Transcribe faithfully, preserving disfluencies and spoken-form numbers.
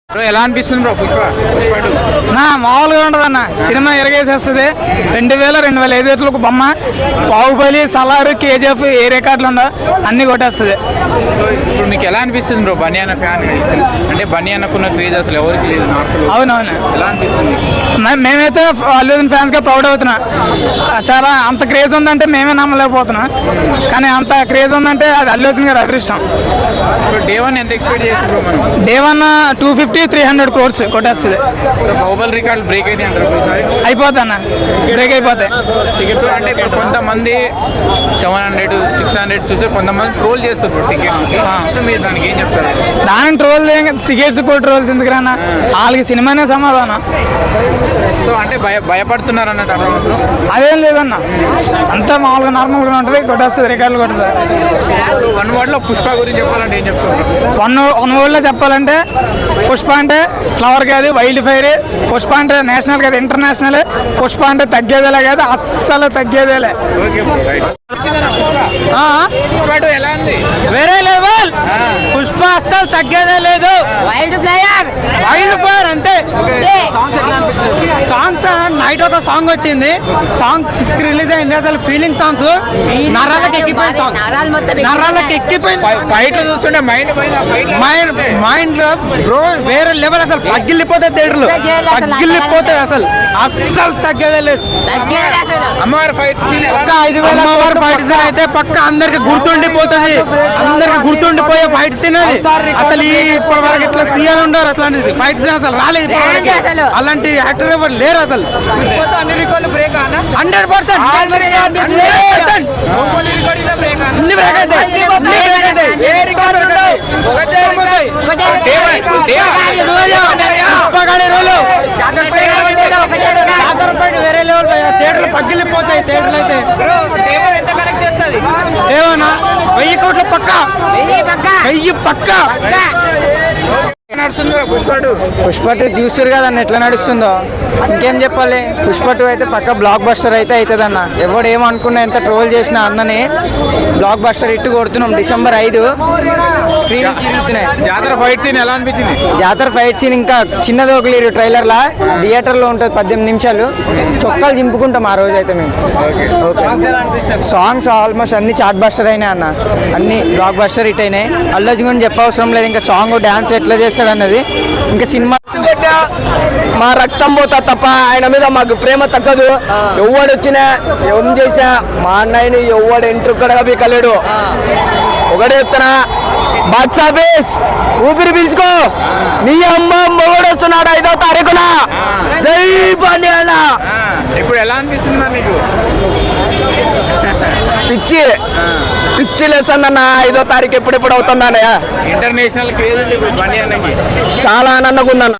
Bro ఎలా అనిపిస్తుంది bro Pushpa నా మామూలుగా ఉండదు అన్న. సినిమా ఎరగేసేస్తుంది. రెండు వేల రెండు వేల ఐదు వేలకు బొమ్మ, బాహుబలి, సలారు, కేజీఎఫ్ ఏ రికార్డులు ఉండో అన్ని కొట్టేస్తుంది. ఇప్పుడు మీకు ఎలా అనిపిస్తుంది బ్రో బనియాన ఫ్యాన్ అంటే బనియానకున్న క్రేజ్ అసలు ఎవరికి లేదు నార్త్లో? అవునవును. ఎలా అనిపిస్తుంది? మే- మేమైతే అల్లు అర్జున్ ఫ్యాన్స్ గా ప్రౌడ్ అవుతున్నా. చాలా అంత క్రేజ్ ఉందంటే మేమే నమ్మలేకపోతున్నాం. కానీ అంత క్రేజ్ ఉందంటే అది అల్లు అర్జున్ గారు అదృష్టం. ఇప్పుడు డే వన్ ఎంత ఎక్స్పెక్ట్ చేసి బ్రో మనం? Day one two fifty three hundred crores కొట్టేస్తుంది. బాహుబలి రికార్డ్ బ్రేక్ అయితే అంటారు ఈసారి? అయిపోతా అన్న, బ్రేక్ అయిపోతాయి. టికెట్ అంటే ఇప్పుడు కొంతమంది సెవెన్ హండ్రెడ్ సిక్స్ హండ్రెడ్ చూస్తే కొంతమంది ట్రోల్ చేస్తారు టికెట్. సో మీరు దానికి ఏం చెప్తారు? దాని ట్రోల్ టికెట్స్ కూడా ట్రోల్స్ ఎందుకు రానా, వాళ్ళకి సినిమానే సమాధానం. సో అంటే భయ భయపడుతున్నారు అన్నట్టు అర్థం. అదేం లేదన్న, అంతా మామూలుగా నార్మల్గా ఉంటుంది, కొట్టేస్తుంది, రికార్డులు కొడుతుంది. వన్ వర్డ్ లో పుష్ప గురించి చెప్పాలంటే ఏం చెప్తారు? వన్ వన్ వర్డ్లో చెప్పాలంటే పుష్ప అంటే ఫ్లవర్ కాదు, వైల్డ్ ఫైర్. పుష్ప అంటే నేషనల్ కాదు, ఇంటర్నేషనల్. పుష్ప అంటే తగ్గేదేలే కాదు, అస్సలు తగ్గేదేలే. Okay bro, right. వచ్చిందన్న పుష్ప? పుష్ప టూ ఎలా ఉంది? వేరే లెవెల్. పుష్ప అస్సలు తగ్గేదే లేదు. వైల్డ్ ప్లేయర్ వైల్డ్ ఫైర్ అంతే. సాంగ్స్ నైట్ ఒక సాంగ్ వచ్చింది, సాంగ్ రిలీజ్ అయింది, అసలు ఫీలింగ్ సాంగ్స్ నరాలకు ఎక్కిపోయిన సాంగ్, నరాలు మొత్తం నరాలకు ఎక్కిపోయింది. ఫైట్ చూస్తుంటే మైండ్ పైన మైండ్ మైండ్ లో బ్రో వేరే లెవెల్. అసలు పగిలిపోతాయి థియేటర్లు, పగిలిపోతాయి. అసలు అస్సలు తగ్గేదే లేదు. అమ్మవారి ఫైట్ సీన్ పక్క ఐదు వేల అమ్మవారి ఫైట్ సీన్ అయితే పక్క అందరికి గుర్తుండిపోతుంది. అందరికి గుర్తుండిపోయే ఫైట్ సీన్ అది. అసలు ఈ ఇప్పటి వరకు ఇట్లా తీయాలి ఉండరు అట్లాంటిది ఫైట్ సీన్ అసలు రాలేదు ఇప్పటివరకు. అలాంటి యాక్టర్ ఎవరు లేరు అసలు. హండ్రెడ్ పర్సెంట్ అన్ని బ్రేక్ అవుతాయి, అన్ని బ్రేక్ అవుతాయి. ఏ రికార్డు ఉండవు. వేరే లెవెల్ థియేటర్లు పగిలిపోతాయి. థియేటర్లు అయితే ఏమన్నా వెయ్యి కోట్ల పక్క, వెయ్యి పక్క నడుస్తుంది bro Pushpa two? Pushpa two చూసారు కదన్న ఎట్లా నడుస్తుందో. ఇంకేం చెప్పాలి, పుష్ప టూ అయితే పక్క బ్లాక్ బస్టర్ అయితే అవుతుంది అన్న. ఎవడు ఏమనుకున్నా, ఎంత ట్రోల్ చేసినా అన్నని బ్లాక్ బస్టర్ ఇట్టు కొడుతున్నాం. డిసెంబర్ ఐదు స్క్రీన్ తిరుగుతున్నాయి. జాతర ఫైట్ సీన్ ఎలా అనిపించింది? జాతర ఫైట్ సీన్ ఇంకా చిన్నది ఒక లేదు, ట్రైలర్ లా థియేటర్ లో ఉంటుంది పద్దెనిమిది నిమిషాలు. చొక్కాలు చింపుకుంటాం ఆ రోజు అయితే మేము. సాంగ్స్ ఆల్మోస్ట్ అన్ని చాట్ బస్టర్ అయినాయి అన్న, అన్ని బ్లాక్ బస్టర్ హిట్ అయినాయి. అల్లు అర్జున్ గురించి చెప్పవసరం లేదు, ఇంకా సాంగ్ డాన్స్ ఎట్లా చేస్తాడు అన్నది. ఇంకా సినిమా మా రక్తం పోతా తప్ప ఆయన మీద మాకు ప్రేమ తగ్గదు. ఎవడు వచ్చినా ఏం చేసా మా అన్నయ్యని ఎవడు ఎంట్రుక్కడగా బీకలేడు. ఒకటే చెప్తున్నా, బాక్స్ ఆఫీస్ ఊపిరి పీల్చుకో, నీ అమ్మ మొగడు వస్తున్నాడు ఐదో తారీఖున. జై బాల్యాల. ఇప్పుడు ఎలా అనిపిస్తుంది మరి నీకు? పిచ్చి పిచ్చి లేసన్న ఐదో తారీఖు ఎప్పుడెప్పుడు అవుతుందన్నయ్య. ఇంటర్నేషనల్ క్రేజ్ ఉంది ఇప్పుడు బనియానకి. చాలా ఆనందంగా ఉందన్న.